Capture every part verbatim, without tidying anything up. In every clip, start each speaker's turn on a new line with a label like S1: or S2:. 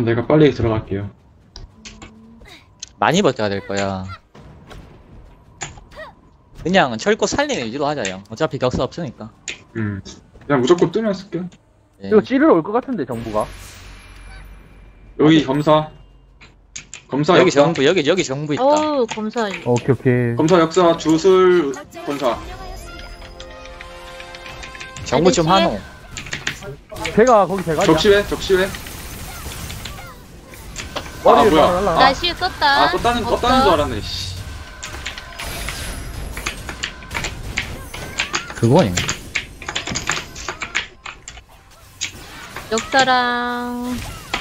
S1: 그럼 내가 빨리 들어갈게요.
S2: 많이 버텨야 될 거야. 그냥 철거 살리는 위주로 하자, 형. 어차피 격수 없으니까.
S1: 음. 그냥 무조건 뜨면 쓸게.
S2: 예.
S3: 이거 찌르러 올 것 같은데 정부가.
S1: 여기 검사. 검사
S2: 여기
S1: 역사.
S2: 정부, 여기, 여기 정부 있다.
S4: 어우 검사.
S3: 오케이 오케이.
S1: 검사 역사 주술 검사.
S2: 정부 좀
S4: 아저씨?
S2: 하노.
S3: 제가 거기 제가.
S1: 적시회 적시회. 아
S3: 머리를
S1: 뭐야?
S3: 날라.
S4: 나 시에 썼다.
S1: 아 떴다는
S4: 없어.
S1: 떴다는 줄 알았네. 씨.
S2: 그거니.
S4: 역사랑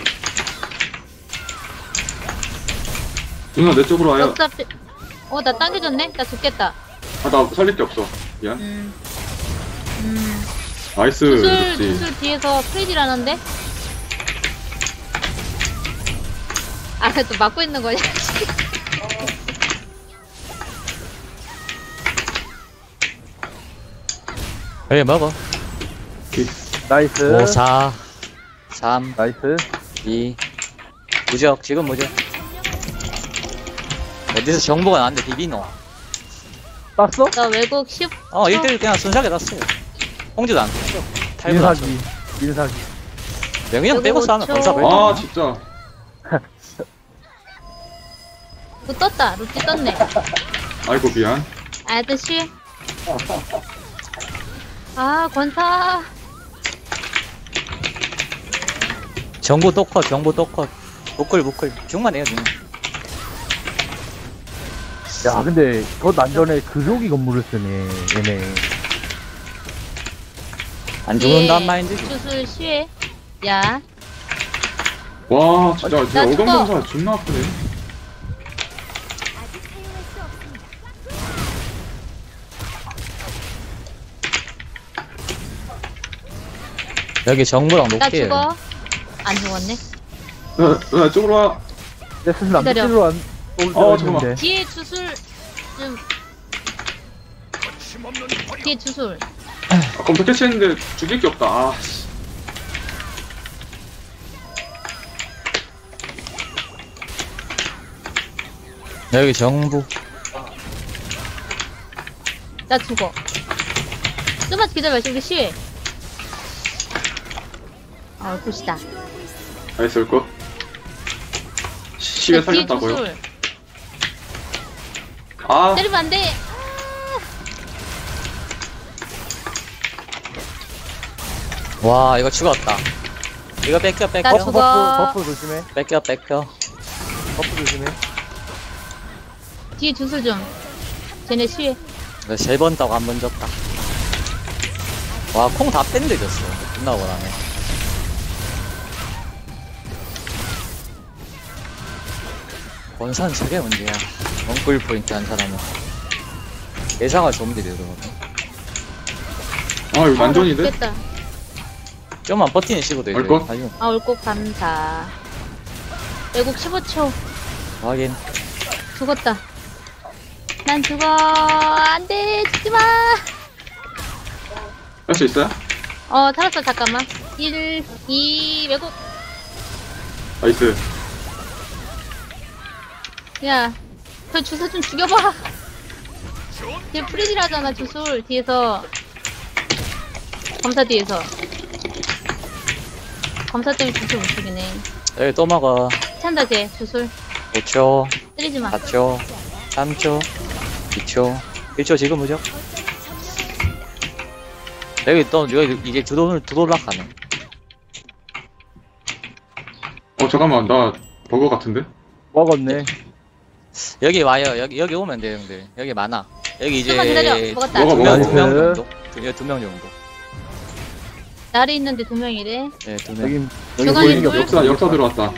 S1: 누나 내 쪽으로 와요.
S4: 역사. 어나 당겨졌네. 나 죽겠다.
S1: 아 나 살릴 게 없어. 미안.
S4: 음. 음.
S1: 나이스.
S4: 주술
S1: 그렇지.
S4: 주술 뒤에서 프리딜하는데. 아 또 막고 있는 거냐?
S2: 그래, 먹어.
S3: 나이스.
S2: 오, 사, 삼,
S3: 나이스.
S2: 이. 무적, 지금 무적. 어디서 정보가 나왔는데 비비노.
S3: 땄어?
S4: 나 외국 십.
S2: 어, 일 대 일 그냥 순삭에 났어요. 홍지도 안 떴어. 탈분 안
S3: 민사기. 민사기.
S2: 명인형 빼고 싸면
S4: 그리고
S2: 검사
S4: 초-
S2: 왜
S1: 아 진짜.
S4: 또 떴다. 루티 떴네.
S1: 아이고 미안.
S4: 아저씨. 아 권사.
S2: 정보 또 컷, 정보 또 컷. 무클, 무클. 중만 해요, 중.
S3: 야 근데 더 난전에 그조기 건물을 쓰네 얘네.
S2: 안
S4: 예.
S2: 죽는단 마인드지.
S4: 주술 시에. 야.
S1: 와 진짜
S4: 나
S1: 진짜
S4: 죽어.
S1: 어감 검사 존나 아프네.
S2: 여기 정보랑
S4: 나
S2: 높게.
S4: 죽어. 안 죽었네.
S1: 누나 누나 쪽으로 와.
S3: 내 스스 남자
S4: 기다려.
S3: 찌르러 안. 올
S1: 어,
S3: 때였는데.
S4: 뒤에 주술 좀. 뒤에 주술.
S1: 아, 검사 캐치했는데 죽일 게 없다. 아 씨.
S2: 여기 정부.
S4: 나 죽어. 좀만 기다려. 지금 시에. 아 굿이다.
S1: 나이스 올 거. 시에
S4: 나 뒤에
S1: 살렸다고요?
S4: 주술.
S1: 아
S4: 때리면 안 돼.
S2: 와, 이거 죽었다. 이거 뺏겨, 뺏겨.
S4: 나
S3: 버프
S4: 죽어.
S3: 버프 버프 조심해.
S2: 뺏겨, 뺏겨.
S3: 버프 조심해.
S4: 뒤에 주술 좀. 쟤네 시에.
S2: 세 번 따고 한 번 졌다. 와, 콩 다 뺀데 졌어. 존나 억울하네. 원산 저게 문제야. 원꿀 포인트 한 사람은. 예상할 좀비 되더라고.
S1: 아 이거 난전인데?
S4: 죽겠다.
S2: 좀만 버티는 식으로
S1: 올 거?
S2: 아주
S4: 아 올곡 감사. 외국 십오 초.
S2: 확인.
S4: 죽었다. 난 죽어. 안돼. 죽지마.
S1: 할 수 있어요?
S4: 어 살았어. 잠깐만. 일, 이 외국.
S1: 나이스.
S4: 야, 저 주술 좀 죽여봐. 뒤에 프리딜하잖아, 주술. 뒤에서. 검사 뒤에서. 검사 때문에 주술 못 죽이네.
S2: 여기 또 먹어.
S4: 찬다, 쟤, 주술.
S2: 오 초,
S4: 때리지 마.
S2: 사 초, 삼 초, 이 초, 일 초 지금 무죠? 여기 또 여기 이게 두돌 두돌락 가네.
S1: 어 잠깐만 나 버거 같은데?
S3: 먹었네.
S2: 여기 와요. 여기 여기 오면 돼요, 형들. 여기 많아. 여기 이제
S4: 좀만 기다려. 먹었다.
S1: 먹어, 먹어.
S2: 두명
S3: 나이스.
S2: 정도. 두, 두 명 정도.
S4: 날이 있는데 두 명이래.
S2: 네, 두 명.
S3: 여기 여기
S4: 중앙에
S3: 보이는 게
S4: 둘.
S3: 없어.
S1: 역사 역사 들어왔다.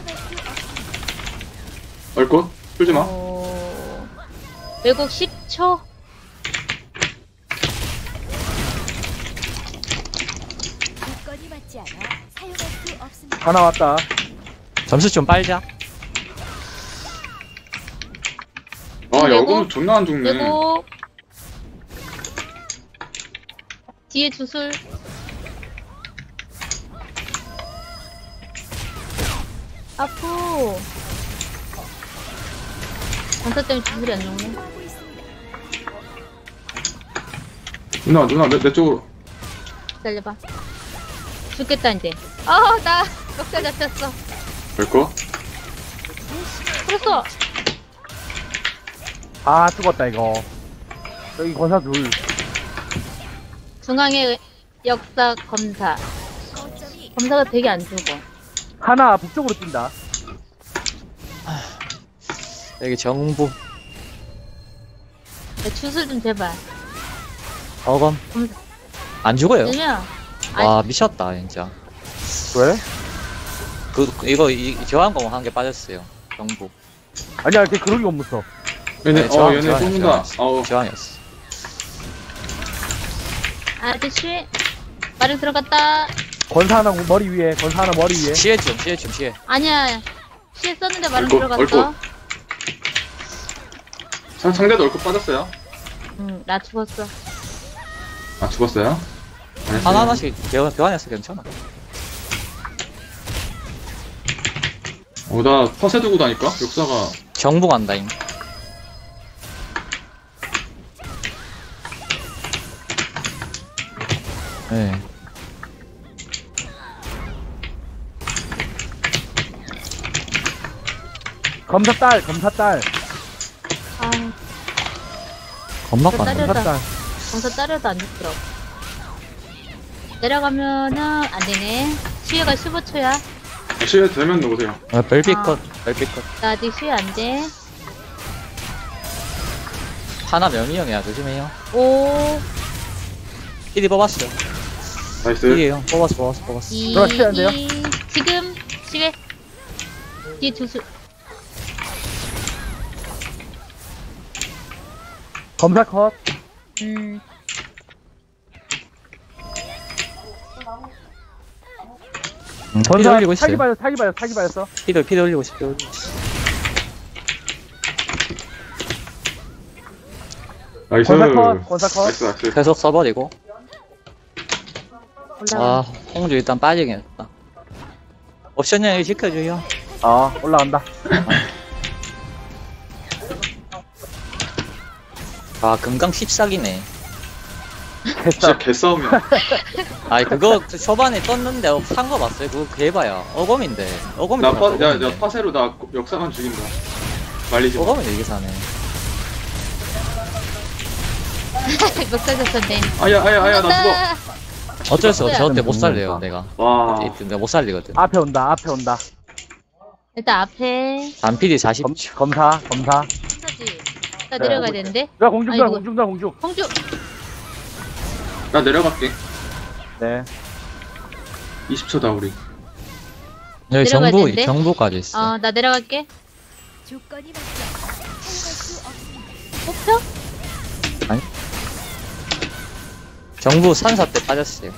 S1: 얼꽃? 풀지 마.
S4: 어... 외국 십 초.
S5: 조건이 맞지 않아 사용할 수 없습니다.
S3: 하나 왔다.
S2: 점수 좀 빨자.
S1: 아
S4: 외국?
S1: 여금 존나 안 죽네.
S4: 외국. 뒤에 주술. 아프. 전사 때문에 주술이 안 나오네.
S5: 하고 있습니다.
S1: 누나 누나 내, 내 쪽으로.
S4: 기다려봐. 죽겠다, 이제. 아, 나 멱살 잡혔어.
S1: 될거?
S4: 풀었어.
S3: 아, 죽었다, 이거. 여기 권사 둘.
S4: 중앙의 역사 검사.
S5: 거점이
S4: 검사가 되게 안 죽어.
S3: 하나 북쪽으로 뛴다.
S2: 여기 정부.
S4: 내 주술 좀 제발.
S2: 어검.
S4: 검사.
S2: 안 죽어요.
S4: 왜냐면, 아니,
S2: 와, 미쳤다, 진짜.
S3: 왜?
S2: 그, 이거, 이, 교환공 한 개 빠졌어요. 정부.
S3: 아니야, 걔 그러기 못 써.
S1: 얘네
S2: 네,
S1: 어
S2: 저항,
S1: 얘네
S2: 저항,
S1: 쏘는다.
S2: 저항.
S1: 어우
S2: 교환이었어.
S4: 아저씨. 마령 들어갔다.
S3: 권사 하나 머리 위에, 권사 하나 머리 위에.
S2: 시해 좀, 시해 좀, 시해.
S4: 아니야. 시에 썼는데 마령
S1: 얼굴,
S4: 들어갔어.
S1: 얼굴. 상, 상대도 얼굴 빠졌어요.
S4: 응, 나 죽었어.
S1: 아 죽었어요? 알았어요.
S2: 하나하나씩 교환, 교환했어, 괜찮아.
S1: 어나 퍼세 두고 다니까 역사가.
S2: 정부 간다잉. 네.
S3: 검사 딸, 검사 딸.
S4: 아,
S2: 겁나
S4: 저
S2: 깐다.
S4: 딸려.
S3: 검사 딸.
S4: 검사 따려도 안 죽더라고. 내려가면은 안 되네. 시에가 십오 초야.
S1: 시에 되면 놓으세요.
S2: 아, 별빛
S4: 아.
S2: 컷, 별빛 컷.
S4: 나 아직 시에 안 돼.
S2: 하나 명의형이야, 조심해요.
S4: 오,
S2: 피디 뽑았어.
S1: 나이스.
S2: 피디형 뽑았어, 뽑았어, 뽑았어.
S4: 이,
S3: 들어가, 시에 안 돼요?
S4: 이. 지금 시에 뒤에 두수.
S3: 검사 컷.
S4: 음,
S2: 음, 피디
S3: 권사
S2: 올리고
S3: 사기
S2: 있어요.
S3: 받았어, 사기 받았어, 사기 받았어.
S2: 피디, 피디 올리고 있어, 피디 올리고 있어.
S1: 나이스.
S3: 권사 컷, 권사 컷.
S1: 나이스 나이스.
S2: 계속 써버리고.
S4: 올라가.
S2: 아, 홍주 일단 빠지긴 했다. 옵션 여기 지켜줘요.
S3: 아, 올라간다.
S2: 아, 금강 십사기네.
S1: 진짜
S3: 됐다.
S1: 개싸움이야.
S2: 아니, 그거 초반에 떴는데 산 거 봤어요? 그거 개봐야. 어검인데. 어검이
S1: 나 파, 야, 야 파세로 나 역사만 죽인다. 말리지 마.
S2: 어검인데 이게 사네.
S4: 멱살 잡혔네.
S1: 아야 아야 아야 나 죽어.
S2: 어쩔 수 없어. 저때 못
S3: 죽었어요.
S2: 살려요, 내가.
S1: 와.
S2: 내가 못 살리거든.
S3: 앞에 온다, 앞에 온다.
S4: 일단 앞에
S2: 단피디 사십
S3: 검,
S2: 초.
S3: 검사, 검사.
S4: 사지. 나 내려가야
S3: 네,
S4: 되는데.
S3: 야, 공중단,
S4: 아이고.
S3: 공중단, 공중.
S4: 홍주.
S1: 나 내려갈게.
S3: 네.
S1: 이십 초다 우리.
S2: 여기
S4: 내려가야
S2: 정부,
S4: 되는데?
S2: 정부까지 있어.
S4: 어, 나 내려갈게.
S5: 조건이 맞지 않아 사용할 수 없습니다.
S4: 뽑혀?
S2: 정부 산사 때 빠졌어요.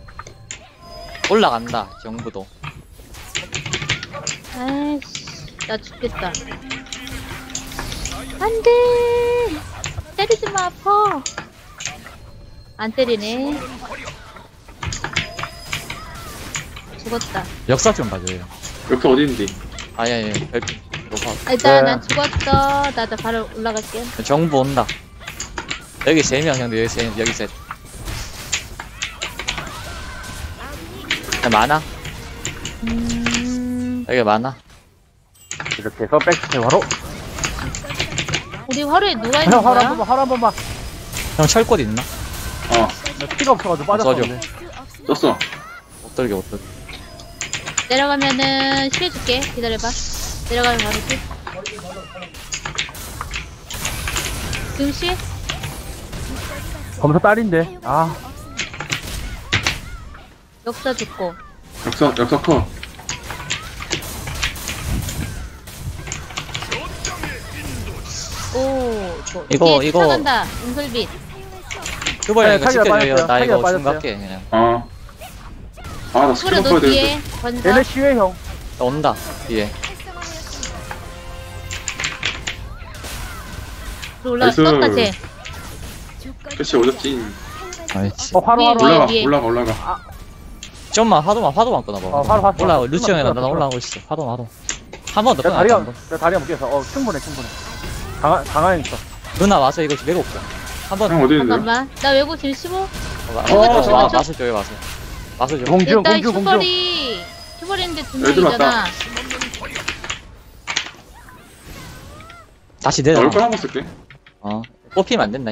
S2: 올라간다, 정부도.
S4: 아이씨, 나 죽겠다. 안 돼! 때리지 마, 아파. 안 때리네. 죽었다.
S2: 역사 좀 봐줘요.
S1: 역사 어디인지.
S2: 아니, 아니, 별빛. 높아.
S4: 아, 일단
S3: 네.
S4: 난 죽었어. 나도 바로 올라갈게.
S2: 정부 온다. 여기 세 명, 형들, 여기 세, 여기 셋. 많아?
S4: 음,
S2: 여기 많아?
S3: 이렇게 해서 백스텝 바로.
S4: 우리 화로에 누가 있는
S3: 형, 하루 한
S4: 거야?
S3: 번만, 하루 한 번만.
S2: 형 철꽃 있나?
S1: 어
S3: 나 피가 없어가지고 빠졌었는데.
S5: 수 없습니다.
S1: 떴어.
S2: 못 들게, 못 들게.
S4: 내려가면은 쉬어줄게. 기다려봐. 내려가면 바로 쉬. 지금 쉬?
S3: 검사 딸인데. 아,
S4: 역사 죽고.
S1: 역사 역사 커.
S4: 오, 저,
S2: 이거,
S4: 뒤에
S2: 이거.
S4: 쫓아간다. 은솔빛.
S2: 휴벌
S3: 네,
S2: 이거
S3: 타기가
S2: 지켜줘요.
S3: 빠졌어요.
S2: 나
S3: 타기가
S2: 이거 중
S3: 빠졌어요.
S2: 갈게, 그냥.
S1: 어. 아나 스킬
S4: 후레
S1: 바꿔야
S4: 너 뒤에.
S1: 되는데.
S4: 번사.
S3: 얘네 시회 형.
S2: 나 온다, 뒤에.
S4: 올라
S1: 나이스.
S4: 떴다, 쟤.
S1: 그렇지 오졌지.
S2: 아이씨.
S3: 어, 화로,
S4: 위에,
S3: 화로.
S4: 위에.
S1: 올라가 올라가 올라가.
S2: 좀만, 화도만, 화도만 끊어봐.
S3: 어, 화로, 화로.
S2: 올라가고,
S3: 끊었어,
S2: 루치 형이랑
S3: 끊었어,
S2: 나
S3: 끊었어.
S2: 올라가고 있어. 화도, 화도. 한 번 더
S3: 내
S2: 끊어.
S3: 다리가,
S2: 한 번.
S3: 내 다리가 묶여서, 어, 충분해, 충분해. 강한, 강한 있어.
S2: 누나 와서 이거 매고 올게. 한 번.
S1: 형 어디 있는데요?
S4: 잠깐만. 나 외고 지금 십오?
S2: 와,
S1: 어,
S2: 와,
S1: 잠깐만.
S2: 마술 줘요, 마술. 마술 줘.
S3: 공중,
S4: 일단
S3: 공중, 공중.
S4: 슈퍼리. 슈퍼리인데 두
S1: 애들
S4: 명이잖아.
S2: 다시 내려.
S1: 얼걸 한번 쓸게.
S2: 어. 뽑히면 안 된다.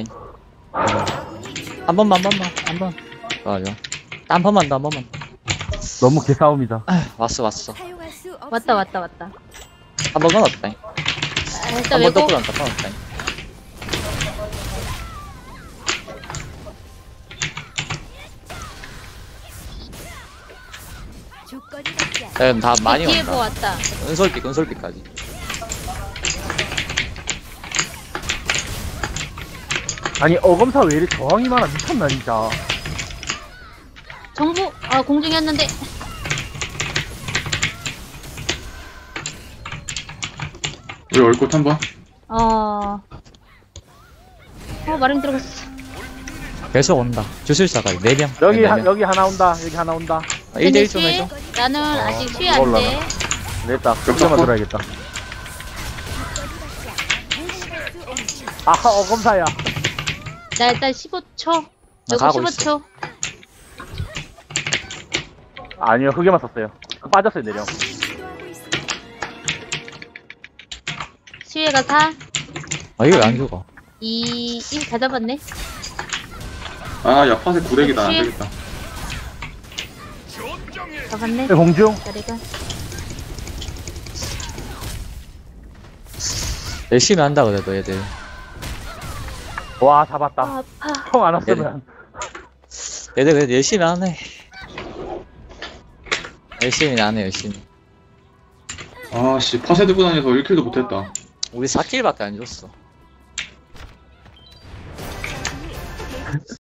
S2: 한 번만, 한 번만, 한 번. 좋아, 좋아. 한 번만 더, 한 번만.
S3: 너무 개싸움이다.
S2: 아휴, 왔어, 왔어.
S5: 사용할 수 없습니다.
S4: 왔다, 왔다, 왔다.
S2: 한 번만 없다.
S4: 아, 일단
S2: 한 번
S4: 외고.
S2: 더 끊었다, 끊었다.
S5: 조건이 맞지 않아.
S2: 자, 다 많이
S4: 뒤에 뭐
S2: 온다.
S4: 왔다.
S2: 은솔빛, 은솔빛까지.
S3: 아니, 어검사 왜 이리 저항이 많아? 미쳤나, 진짜.
S4: 정부, 아, 공중이었는데.
S1: 우리 얼꽃 한 번.
S4: 어. 어, 마름 들어갔어.
S2: 계속 온다. 주술사가 네 명.
S3: 여기,
S2: 네
S3: 하,
S2: 명.
S3: 여기 하나 온다. 여기 하나 온다.
S2: 일 대일
S4: 근데
S2: 좀 해줘.
S4: 시- 나는 아직 수위 안
S3: 올라가.
S4: 돼.
S3: 됐다.
S1: 겹쳤고.
S3: 그게만 들어야겠다. 아하, 어검사야.
S4: 나 일단 십오 초.
S2: 나
S4: 외고
S2: 가고
S4: 십오
S2: 있어.
S4: 초.
S3: 아니요, 그게만 썼어요. 빠졌어요, 내려.
S5: 시도하고 있습니다.
S4: 수위가 사,
S2: 아, 이거 왜 안 죽어?
S4: 이, 일 다 잡았네.
S1: 아, 야, 파세 구렉이다. 안 되겠다.
S4: 잡았네.
S3: 네, 공중.
S4: 자리가.
S2: 열심히 한다, 그래도 얘들.
S3: 와, 잡았다.
S4: 아, 아파.
S3: 총 안 왔으면.
S2: 얘들 그래도 열심히 하네. 열심히 하네, 열심히.
S1: 아, 씨, 파세 들고 다녀서 일 킬도 못했다.
S2: 우리 사 킬밖에 안 줬어.